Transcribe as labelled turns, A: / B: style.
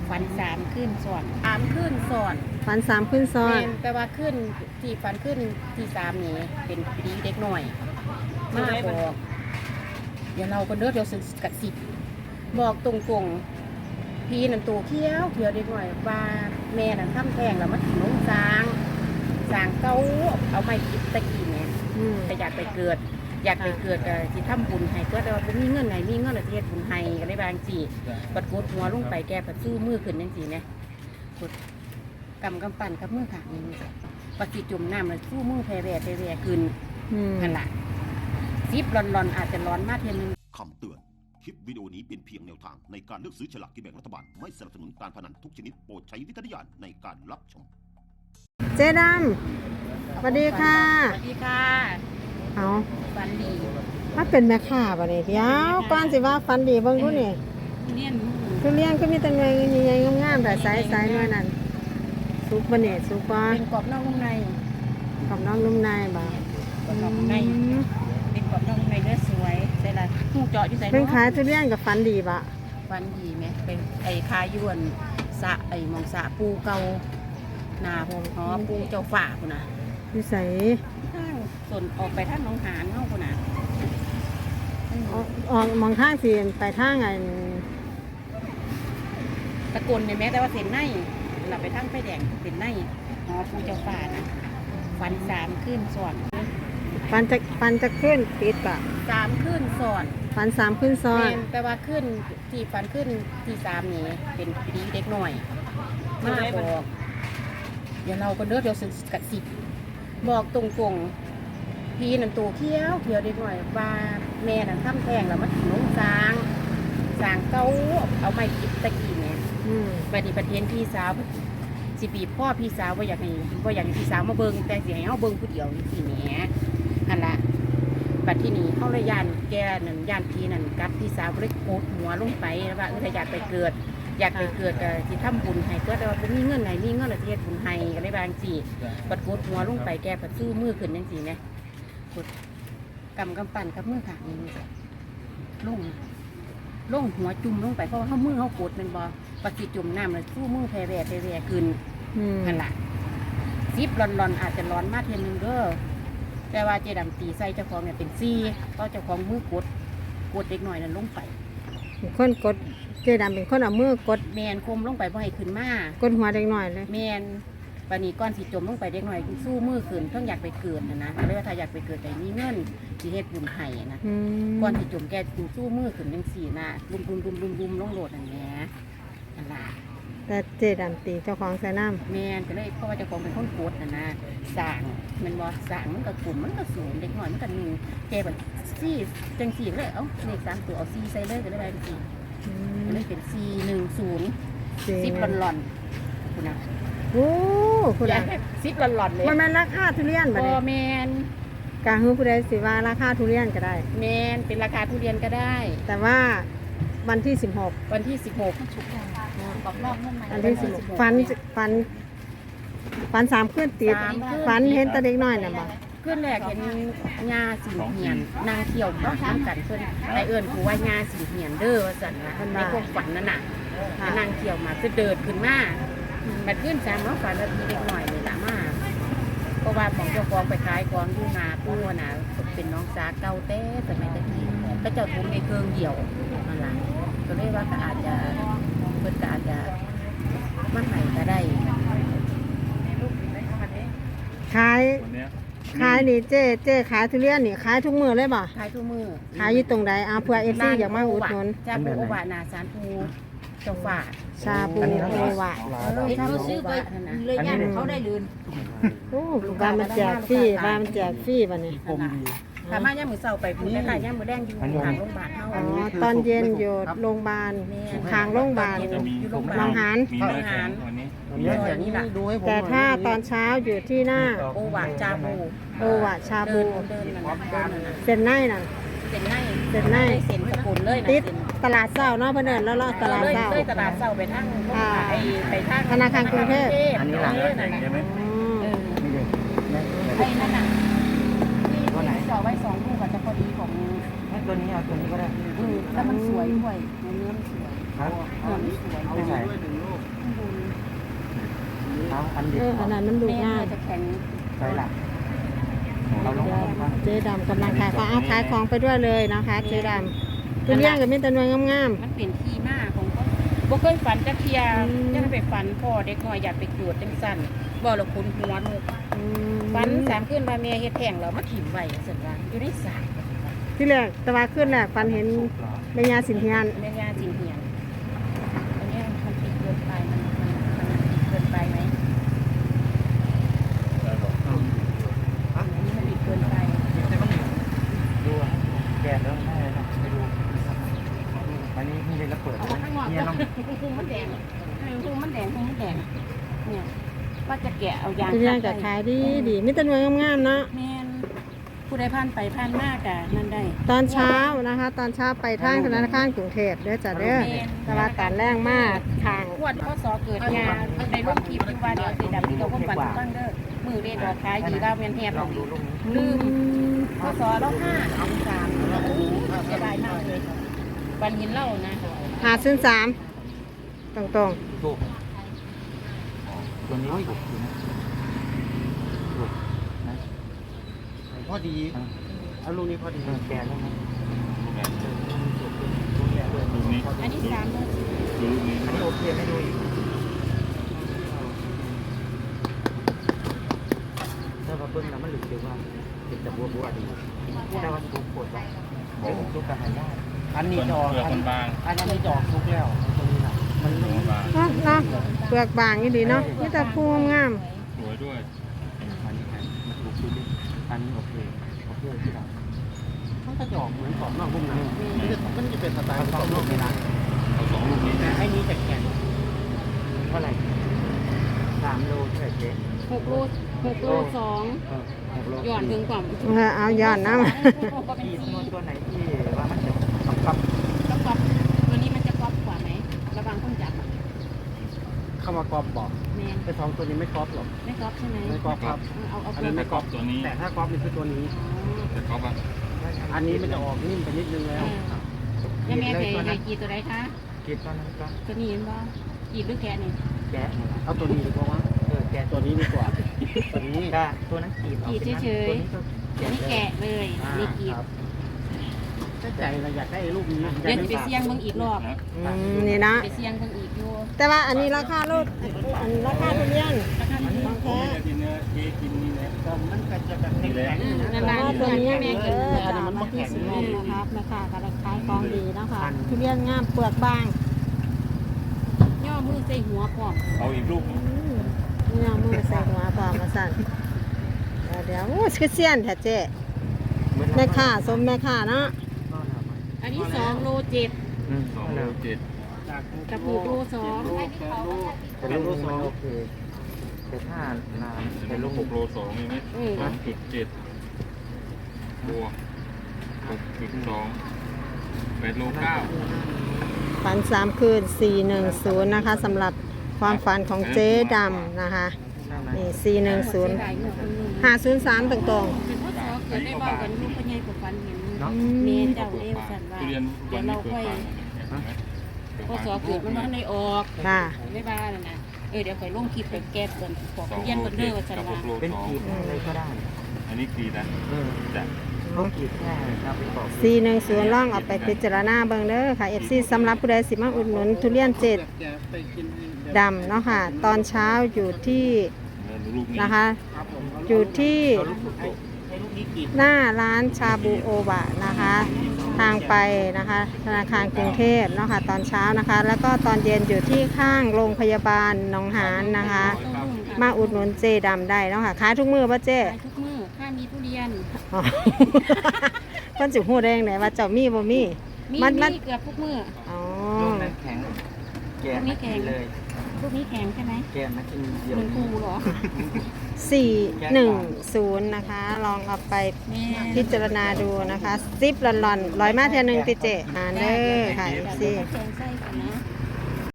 A: ฝัน3 คืนซ้อน
B: ฝัน3 คืนซ้อน
A: แต่ว่าขึ้นที่ฝันขึ้นที่3นี่เป็นปีเด็กหน่อยมาบอกเดี๋ยวเราก็เด้อเดี๋ยวกระสิบบอกตรงๆพี่นั่นตัวเขียวเด็กหน่อยว่าแม่นั่นทำแท้งแล้วมาถึงน้องสางเก้าเอาไม้กิบตะกี้เนี่ยแต่อยากไปเกิดที่ทำบุญให้ก็แต่ว่าผมมีเงินไหนมีเงินอะไรที่เฮ็ดบุญให้ก็ได้บางจีปัดกดหัวลงไปแกปัดสู้มือขึ้นยังจีเนี่ยกดกำปั่นกับมือขางนี่ปัดจีจุ่มน้ำแล้วสู้มือแผ่ขึ้นขนาดซิปร้อนอาจจะร้อนมากเทียนนึง
C: คำเตือนคลิปวิดีโอนี้เป็นเพียงแนวทางในการเลือกซื้อฉลากกินแบ่งรัฐบาลไม่สนับสนุนการพนันทุกชนิดโปรดใช้วิจารณญาณในการรับชม
B: เจ๊ดำสวัสดีค่ะ
A: สวัสดีค่ะ
B: เอา
A: ฝันดี
B: ถ้าเป็นแม่ค้าบ่เนี่ยเดี๋ยวก่อนสิว่าฝันดีเบิ่งดูนี่ทุเรียนก็มีแต่หน่วยใหญ่ๆงามๆแต่สายหน่วยนั้นสุกบ่เนี่ยสุกบ่
A: เป็นกรอบนอกนุ่มใน
B: กรอบนอกนุ่มในบ่
A: กรอบนอกนุ่มในเป็นกรอบนอกนุ่มในเนื้อสวยใส่ละหูเจาะอยู่ใส่
B: เป็นขายทุเรียนกับฝันดีบ่
A: ฝันดีไหมเป็นไอ้คายวนสะไอ้มองสะปูเก่านาพงหอปูเจ้าฝ่าคุณนะ
B: อยู่ใส่
A: ทางส่วนออกไปทางหนองหานเนาะคุณนะ
B: ออกมองทางสิไปทางไอ้
A: ตะโกนในแม้แต่ว่าเส้นในเราไปทางไฟแดงเส้นในหอปูเจ้าฝ่านะฝัน3 คืนซ้อน
B: ฝันจะขึ้นติดปะ
A: 3 คืนซ้อน
B: ฝัน3 คืนซ้อน
A: แต่ว่าขึ้นที่ฝันขึ้นที่3นี่เป็นปีเด็กหน่อยมาบอกเดี๋ยวเราก็เด้อเดี๋ยวกระสิบบอกตรงๆพี่นั่นตัวเขียวเด็กหน่อยว่าแม่นั่นทำแท้งแล้วมาถึงน้องสางเก้าเอาไม้กิบตะกี้เนี่ยไปที่ประเทศพี่สาวสิบีบพ่อพี่สาวว่าอยากให้พี่สาวมาเบิ่งแต่สิให้เฮาเบิ่งผู้เดียวนี่แหมนั่นล่ะบัดที่นี่เฮาเลยย่านแกนั่นย่านพี่นั่นกับพี่สาวเลยโกดหัวลงไปว่าถ้าอยากไปเกิดที่ทำบุญให้ก็แต่ว่าผมมีเงินไหนมีเงินอะไรที่เฮ็ดบุญให้ก็ได้บางจีปัดกดหัวลงไปแกปัดสู้มือขึ้นยังจีเนี่ยกดกำปั่นกับมือขางนี่ลงหัวจุ่มลงไปเพราะว่าเขามือเขากดเป็นบอปัดจีจุ่มน้ำเลยสู้มือแผ่ขึ้นนั่นแหละซิปร้อนอาจจะร้อนมากเทียนนึงเด้อแต่ว่าเจดำตีใส่เจ้าของเนี่ยเป็นซี่ก็เจ้าของมือกดเด็กหน่อยนั่นลงไป
B: คนกดเจ๊ดำเป็นคนเอามือกด
A: แมนคมลงไปบ่ให้ขึ้นมาก
B: ดหัวเด็กหน่อยเลย
A: แมนปานนี้ก้อนสีจมลงไปเด็กหน่อยสู้มือขึ้นเพิ่งอยากไปเกิดนะเรียกว่าถ้าอยากไปเกิดแต่มีเงินสีเฮ็ดบุญไห้นะก้อนสีจมแกสู้มือขึ้นยังสีนะลุมลงโหลดนั่นแหละนั่นล่ะ
B: แต่เจ๊ดำตีเจ้าของใส่น้
A: ำแมนก็เลยเพราะว่าเจ้าของเป็นคนโกดนะสางมันบ่สางมันก็กลุ่มมันก็สูงเด็กหน่อยมันก็หนึ่งแกแบบซี่จังสีเลยเลข3 ตัวเอาซี่ใส่เลยก็ได้ไปจริงเลยเป็น410ซิปหล่อนคุณนะ
B: โอ้คุณนะ
A: ซิปหล่อนเลย
B: มันเป็นราคาทุเรียนบ่
A: แมน
B: กาฮือผู้ใดสิว่าราคาทุเรียนก็ได้
A: แมนเป็นราคาทุเรียนก็ได้
B: แต่ว่าวันที่16
A: วันที่16ฉุกละกรอบนอกนุ่มใน
B: วันที่16ฝัน3 คืนติดฝันเห็นตาเด็กน้อยน่ะบ่
A: ขึ้นแรกเห็นงาสิงเหียนนางเขียวก็ทำกันเพื่อนไอเอิญกูว่างาสิงเหียนเด้อว่าสั่นนะในความฝันนั่นน่ะนางเขียวมาจะเดินขึ้นมาบัดขึ้น3 แล้วฝันแล้วมีเด็กหน่อยเลยละมาเพราะว่าของเจ้าของไปขายของอยู่นาปูน่ะเป็นน้องสาเก่าเต้แต่ไม่ตะกี้ก็เจ้าทุ่มในเครื่องเดี่ยวนั่นแหละก็เลยว่าก็อาจจะเพื่อนก็อาจจะมาไหนก็ได้
B: ขายนี่เจ๊ขายทุเรียนนี่ขายทุกมื้อเลยบ่
A: ขายทุกมื้อ
B: ขายอยู่ตรงใดเพื่อ FC อยากมาอุดหนุน
A: ชาปูโอวานาสารปูเจ้าฝ่า
B: ชาปูโอวา
A: เขาซื้อไปเลยย่านเขาได้ลืน
B: โอ้บ้านมันแจกฟรีบ้านมันแจกฟรีบัดนี้
A: ถ้ามาย่ามมื้อเช้าไปพุ่นได้ย่ามมื้อแดงอยู่ทางโรงพยาบาลเฮา
B: ตอนเย็นอยู่โรงพยาบาลทางโรงพยาบาลบางหารแต่ถ้าตอนเช้าอยู่ที่หน้า
A: โอวาชาบู
B: เส้นในนั่น
A: เส้นสกุลเลย
B: ติดตลาดเช้าเนาะเพิ่นเอิ้นแล้วตลาดเช้า
A: ตลาดเช้าไปทาง
B: ธนาคารกรุงเทพ
D: อันนี้หลังใช่ไหม
A: ไอ้นั่นน่ะตัวไหนจ่อไว้2 ลูกจะพอดีของ
D: ตัวนี้เอาตัวนี้ก็ได้
A: แล้วมันสวยด้วยเนื้อมันสวย
D: ครับ
A: มันสวย
D: ไม่ใช่
A: ข้างบน
D: เอาอันเดียว
B: อันนั้นมันดู
A: แม่
B: ง่าย
A: จะแข็ง
D: ใช่หลักเราลงมา
B: เจ๊ดำกำลังขายของเอาขายของไปด้วยเลยนะคะเจ๊ดำทุเรียนกับมีแต่หน่วยงาม
A: มันเป็นที่มาของเขาบ่เคยฝันจะเทีย
B: อืม
A: จะไปฝันพ่อเด็กน้อยอยากไปจูดจังสั่นบ่ละคุณหัวลูก
B: ๆอืม
A: ฝัน3คืนว่าแม่เฮ็ดแท้งแล้วมาถิ่มไว้ซั่นว่าอยู่ในสระ
B: ที่แรกแตะวันขึ้นแรกฟันเห็นแม่ยาสินเทียน
A: แม่ย่าจินเหียนอันเนี้ยมันติดเกินไปมันติดเกินไปไหมอันนี้มันติดเกินไป
D: ดูแกะแล้วไม่เลยนะไปดูอันนี้ไม่ได้แล้วเปิด
A: เอาข้างนอก
D: เนี่ยน้อง
A: คุมมันแดงคุมมันแดงเนี่ยว่าจะแกะเอายาง
B: ทุเรียนกับขายดีดีมีแต่หน่วยงามๆเนาะ
A: แม่นผู้ใดผ่านไปผ่านมากอะนั่นได้
B: ตอนเช้านะคะ ตอนเช้าไปทางธนาคารกรุงเทพเด้อจ้ะเด้อแต่ว่าตอนแรงมากทาง
A: ขวดข้อสอเกิดยาในร่มคลิปที่ว่าเดี๋ยวสีดำที่เราความฝันตั้งเด้อมือเรียนดอกขายดีดาวเวียนแหบ
D: ลองดูลูก
A: ลืมข้อสอเรา5 3แล้วเสียดายมากเลยปันหินเล่านะ
B: 503ตรง
D: ถูกตัวนี้ไม่ถูกนะถูกนะ
E: พอดี เอาลูกนี้พอดี
D: แกะแล้วนะ
A: อันนี้3โมง
D: อันนี้โอเคไม่ดูอีกถ้าว่าเบิ้งแล้วมันหลุดเดี๋ยวว่าเป็นแต่บัวดีแต่ว่าถูกปวดว่าลูกกระหายได้
E: อันนี้จะออกอันนี้จะออกทุกแล้วตรงนี้นะมัน
B: ๆเนาะเปลือกบางนี่ดีเนาะมีแต่ภูงาม
F: สวยด้วย
D: อันนี้มันถูกดูดิอันนี้โอเคที่เรา
E: มันก็จะออกเหมือนกรอบนอกรุ่มนะมันจะเป็นสไตล์
D: เอา
E: กร
D: สอ
E: อง บน
D: ลู
E: อก
D: ก
E: ใน
D: ใน
E: ร้า
D: ร้าน น
F: เอาสองลูกนี้นะ
E: ไอ้นี้จะแข็ง
D: เท่าไหร่3 โลเท่าไหร่เจ๊
A: 6 โล 6 โล 2
D: 6 โล
A: หย่อนถึงกว่า
B: เอาย้อนน้
A: ก็เป็น
D: ที่
A: สี
D: ตัวไหนที่ว่ามันจะปับ
A: ก็ก๊อปตัวนี้มันจะก๊อปกว่าไหมระวังต้องจับ
E: เข้ามากรอบบอก
A: แมน
E: ไอ้สองตัวนี้ไม่กรอบหรอก
A: ไม่ก๊อปใช่ไหม
E: ไม่กรอบครับ
A: เอา
E: อัน
A: เกิ
E: นี้
A: น
E: ไม่กรอบ
F: ตัวนี้
E: แต่ถ้ากรอบนี่คือตัวนี้
F: แต่ก๊อฟอะ
E: อันนี้มันจะออกนิ่มไปนิดนึงแล้ว
A: แล้วแม่เคยกี่ตัวไหนคะ
D: กินตอนนั้นก็
A: ตัวนี้เห็นบ่กี่หรือแกะนี่
D: แกะ
E: เอาตัวนี้ดีกว่า
D: แกะ
E: ตัวนี้ดีกว่า ตัวนี้
D: ก็ตัวนั้นกีบตัวนี้
A: ตัวนี้แกะเลยนี่กีบ
E: ครับถ้าใจเราอยากได้ลูกนี้
A: เดี๋ยวจะไปเสี่ยงเบิ่งอีกรอบ
F: นะ
B: ำนี่นะ
A: ไปเสี่ยงเบิ่งอีกอยู่
B: แต่ว่าอันนี้ราคาโลดอันราคาทุเรียน
A: ราคามัน
B: ของแท้
F: กินเนื้อเจ๊กินนี่นะ
E: มันก็จะแบบแข็ง
A: นั่น
B: แต่
A: ล่ะ
B: ว่า
A: นี่
B: ตัว
A: ตัว
B: นี้
A: นี้
B: เอ
A: แม่กิน
B: อตามมาที่สีลมนะครับแม่ค้าก็ได้ขายของดีเนาะคะทุเรียนงามเปลือกบาง
A: ย่อมือใส่หัวพร้อม
F: เอาอีกลูกนึง
B: เนี่ยมือใส่หัวพอมาสั่นเดี๋ยวโอ้คือเซียนแท้เจ๊แม่ค้าสมแม่ค้าเนาะ
A: อันนี้2 โล 7
F: 2 โล 7
A: กับ6 โล 2
D: แต่ลูกมันโอเคแต่ถ้านาน
F: แต่ลูก6 โล 2มีไหม 2.7 บวก 6.2 8 โล 9
B: ฝัน3 คืน 410 นะคะสำหรับความฝันของเจ๊ดำนะคะนี่410 503ตรง
A: เป็นพ่อสอเกิดได้บ้างกันลูกพ่อใหญ่กับฟันเห็น
D: เนาะ
A: เมเจ้าเลี้ยวสันว่า
F: ทุเรียน
A: เดี๋ยวเราค่อยพ่อสอเกิดมันว่าในออก
B: ๆค่ะ
A: ไม่บ้าแล้วนะเดี๋ยวค่อยลงคลิปไปแก้เปิดขอเรียนกันเด้อว่าสันว่า
F: 6 โล
D: เป็นกีบอะไรก็ได้
F: อันนี้กีนะจ้ะ
D: เขากีบแค่เราไปบอก
B: 410ล่องเอาไปพิจารณาเบิ่งเด้อค่ะ FC สำหรับผู้ใดสิมาอุดหนุนทุเรียนเจ็ด
E: จะไปกิน
B: ดำเนาะค่ะ ตอนเช้าอยู่ที่
F: ลูกนี้
B: นะคะ อยู่ที่
E: ให้ลูกนี้กิน
B: หน้าร้านชาบูโอบะนะคะ ทางไปนะคะธนาคารกรุงเทพเนาะค่ะตอนเช้านะคะ แล้วก็ตอนเย็นอยู่ที่ข้างโรงพยาบาลหนองหานนะคะ มาอุดหนุนเจดำได้เนาะค่ะขายทุกมือป่ะเจ๊
A: ขายทุกมื้อถ้ามีทุเรียน
B: อ๋อ เพิ่นสิฮู้ได้จังไดว่าเจ้ามีบ่มี
A: มี
B: มัน
A: เกือบทุกมื้อ
B: อ๋อ
D: ลูกนั้นแข็งแกะมากินเลย
A: ลูกนี้แข็งใช่ไหม
D: แกะมากินเดียว
A: เหมือนปูเหรอ
B: 410นะคะ ลองเอาไป
A: แม่
B: พิจารณาดูนะคะซิปหลอนๆลอยมาเท่านึงติเจอ่านเด้อค่ะ FC
A: แข็งไส้กันนะ